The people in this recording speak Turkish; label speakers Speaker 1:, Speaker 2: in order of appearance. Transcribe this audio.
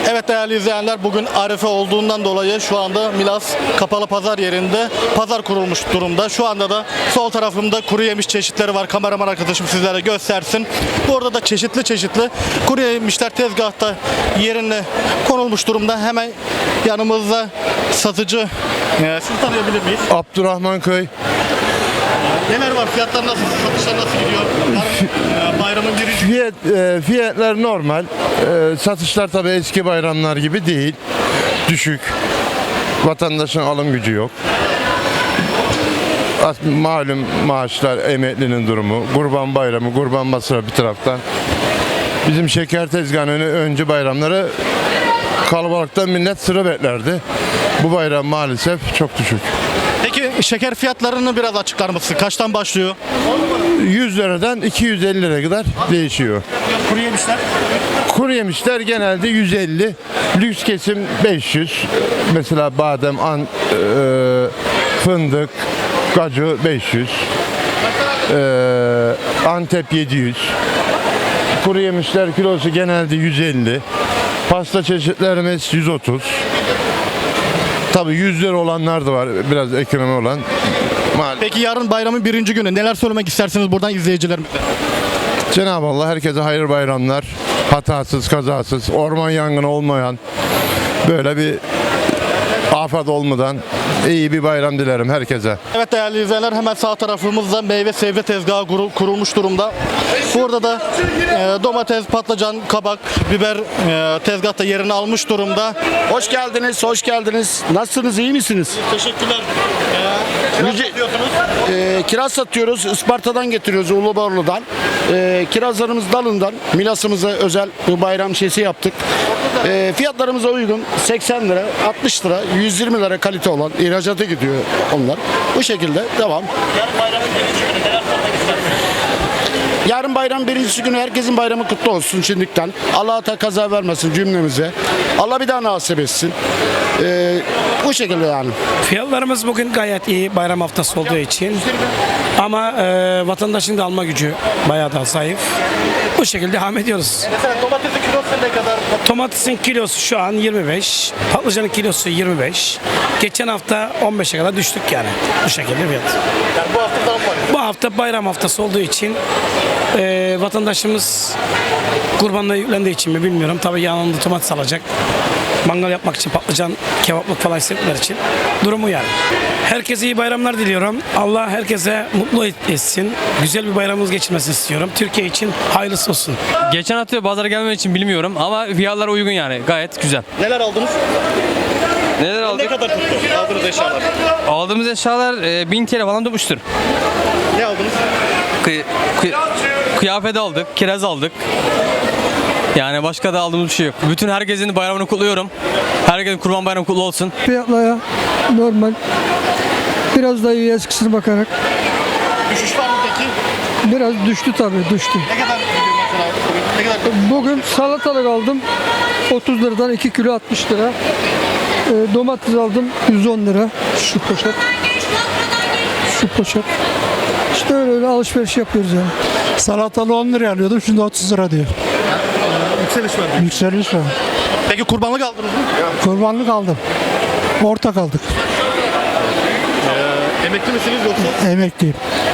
Speaker 1: Evet değerli izleyenler, bugün Arife olduğundan dolayı şu anda Milas Kapalı Pazar yerinde pazar kurulmuş durumda. Şu anda da sol tarafımda kuru yemiş çeşitleri var. Kameraman arkadaşım sizlere göstersin. Burada da çeşitli kuru yemişler tezgahta yerine konulmuş durumda. Hemen yanımızda satıcı. Sizi tanıyabilir miyiz?
Speaker 2: Abdurrahman Köy.
Speaker 1: Neler var? Fiyatlar nasıl? Satışlar nasıl gidiyor? Bayramın birinci.
Speaker 2: Fiyatlar normal. Satışlar tabii eski bayramlar gibi değil. Düşük. Vatandaşın alım gücü yok. Malum maaşlar, emeklinin durumu, Kurban Bayramı, Kurban Masrafı bir taraftan. Bizim şeker tezgahının önce bayramları kalabalıktan millet sıra beklerdi. Bu bayram maalesef çok düşük.
Speaker 1: Peki şeker fiyatlarını biraz açıklar mısın? Kaçtan başlıyor?
Speaker 2: 100 liradan 250 liraya kadar değişiyor.
Speaker 1: Kuru yemişler?
Speaker 2: Kuru yemişler genelde 150, lüks kesim 500. Mesela badem, fındık, kaju 500, Antep 700. Kuru yemişler kilosu genelde 150. Pasta çeşitlerimiz 130. Tabii 100 lira olanlar da var, biraz ekonomi olan.
Speaker 1: Peki yarın bayramın birinci günü neler söylemek istersiniz buradan izleyicilerimize?
Speaker 2: Cenab-ı Allah herkese hayırlı bayramlar, hatasız, kazasız, orman yangını olmayan, böyle bir afet olmadan iyi bir bayram dilerim herkese.
Speaker 1: Evet değerli izleyenler, hemen sağ tarafımızda meyve sebze tezgahı kurulmuş durumda. Burada da domates, patlıcan, kabak, biber tezgahta yerini almış durumda.
Speaker 3: Hoş geldiniz, hoş geldiniz. Nasılsınız, iyi misiniz?
Speaker 1: Teşekkürler. Kiraz satıyorsunuz.
Speaker 3: Kiraz satıyoruz, Isparta'dan getiriyoruz, Uluborlu'dan. Kirazlarımız dalından, Milas'ımıza özel bir bayram şeysi yaptık. Fiyatlarımıza uygun, 80 lira, 60 lira, 120 lira kalite olan ihracata gidiyor onlar. Bu şekilde devam.
Speaker 1: Yarın bayramın birinci günü neler söylemek istersiniz?
Speaker 3: Yarın bayram birincisi günü herkesin bayramı kutlu olsun şimdiden. Allah da kaza vermesin cümlemize. Allah bir daha nasip etsin. Bu şekilde yani.
Speaker 4: Fiyatlarımız bugün gayet iyi bayram haftası olduğu için. Ama vatandaşın da alma gücü bayağı da zayıf. Bu şekilde devam ediyoruz.
Speaker 1: Mesela domatesin kilosu ne kadar?
Speaker 4: Domatesin kilosu şu an 25, patlıcanın kilosu 25. Geçen hafta 15'e kadar düştük yani. Bu şekilde fiyat.
Speaker 1: Yani bu hafta zam var.
Speaker 4: Bu hafta bayram haftası olduğu için vatandaşımız kurbanla yüklendiği için mi bilmiyorum. Tabii yanında domates alacak. Mangal yapmak için patlıcan, kebaplık falan istedikler için. Durumu yani. Herkese iyi bayramlar diliyorum. Allah herkese mutlu etsin. Güzel bir bayramımız geçirmesini istiyorum. Türkiye için hayırlısı olsun.
Speaker 5: Geçen hafta pazara gelmem için bilmiyorum ama fiyatlar uygun yani gayet güzel.
Speaker 1: Neler aldınız?
Speaker 5: Neler
Speaker 1: Ne
Speaker 5: aldık?
Speaker 1: kadar tuttu aldığınız eşyalar?
Speaker 5: Aldığımız eşyalar 1000 TL falan tutmuştur.
Speaker 1: Ne aldınız?
Speaker 5: Kıyafet aldık, kiraz aldık. Yani başka da aldığımız bir şey yok. Bütün herkesin bayramını kutluyorum. Herkesin kurban bayramı kutlu olsun.
Speaker 6: Fiyatlara normal. Biraz da iyi eskisine bakarak.
Speaker 1: Düşüş var mı peki?
Speaker 6: Biraz düştü tabii düştü.
Speaker 1: Ne kadar gidiyor mesela? Ne kadar?
Speaker 6: Bugün salatalık aldım. 30 liradan 2 kilo 60 lira. Domates aldım 110 lira. Şu poşet. Şu poşet. İşte öyle alışveriş yapıyoruz yani.
Speaker 7: Salatalı 10 liraya alıyordum, şimdi 30 lira diyor.
Speaker 1: Yükseliş var.
Speaker 7: Yükseliş var.
Speaker 1: Peki kurbanlık aldınız mı?
Speaker 7: Kurbanlık aldım. Ortak aldık.
Speaker 1: Emekli misiniz yoksa?
Speaker 7: Emekliyim.